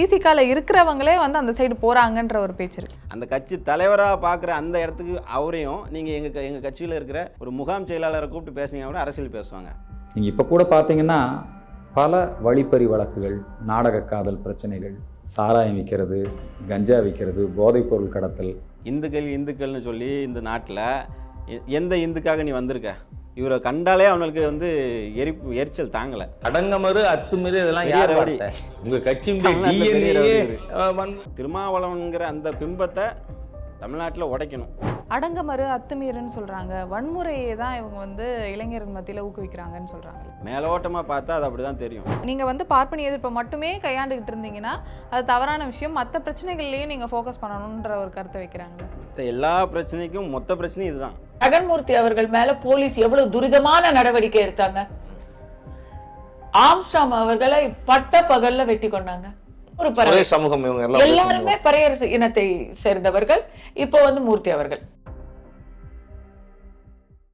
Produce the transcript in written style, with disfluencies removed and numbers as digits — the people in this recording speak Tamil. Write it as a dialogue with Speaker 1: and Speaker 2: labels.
Speaker 1: விசிகால இருக்கிறவங்களே வந்து அந்த சைடு போறாங்கன்ற ஒரு பேச்சு இருக்கு.
Speaker 2: அந்த கட்சி தலைவராக பார்க்குற அந்த இடத்துக்கு அவரையும் நீங்கள் எங்கள் கட்சியில் இருக்கிற ஒரு முகாம் செயலாளரை கூப்பிட்டு பேசுனீங்கன்னா கூட அரசியல் பேசுவாங்க.
Speaker 3: நீங்கள் இப்போ கூட பார்த்தீங்கன்னா பல வழிப்பறி வழக்குகள், நாடக காதல் பிரச்சனைகள், சாராயம் விற்கிறது, கஞ்சா விற்கிறது, போதைப்பொருள் கடத்தல்.
Speaker 2: இந்துக்கள்னு சொல்லி இந்த நாட்டில் எந்த இந்துக்காக நீ வந்திருக்க? இவரை கண்டாலே அவனுக்கு வந்து எரிச்சல் தாங்கலை.
Speaker 4: அடங்கமறு அத்துமீறி இதெல்லாம்
Speaker 2: யார்
Speaker 4: உங்கள் கட்சி
Speaker 2: திருமாவளவன்கிற அந்த பிம்பத்தை தமிழ்நாட்டில் உடைக்கணும்.
Speaker 1: அடங்கமறு அத்துமீறுன்னு சொல்றாங்க, வன்முறையை தான் இவங்க வந்து இளைஞர்கள் மத்தியில் ஊக்குவிக்கிறாங்கன்னு சொல்றாங்க.
Speaker 2: மேலோட்டமாக பார்த்தா அது அப்படி தான் தெரியும்.
Speaker 1: நீங்கள் வந்து பார்ப்பனி எதிர்ப்பை மட்டுமே கையாண்டுக்கிட்டு இருந்தீங்கன்னா அது தவறான விஷயம், மற்ற பிரச்சனைகள்லையும் நீங்கள் ஃபோக்கஸ் பண்ணணுன்ற ஒரு கருத்தை வைக்கிறாங்க.
Speaker 2: மற்ற எல்லா பிரச்சனைக்கும் மொத்த பிரச்சனையும் இதுதான்.
Speaker 5: ஜெகன்மூர்த்தி அவர்கள் மேல போலீஸ் எவ்வளவு துரிதமான நடவடிக்கை எடுத்தாங்க. ஆம்ஸ்ட்ராங் அவர்களை பட்ட பகல்ல வெட்டி கொண்டாங்க. ஒரு
Speaker 4: சமூகம்
Speaker 5: எல்லாருமே பறையர் இனத்தை சேர்ந்தவர்கள். இப்போ வந்து மூர்த்தி அவர்கள்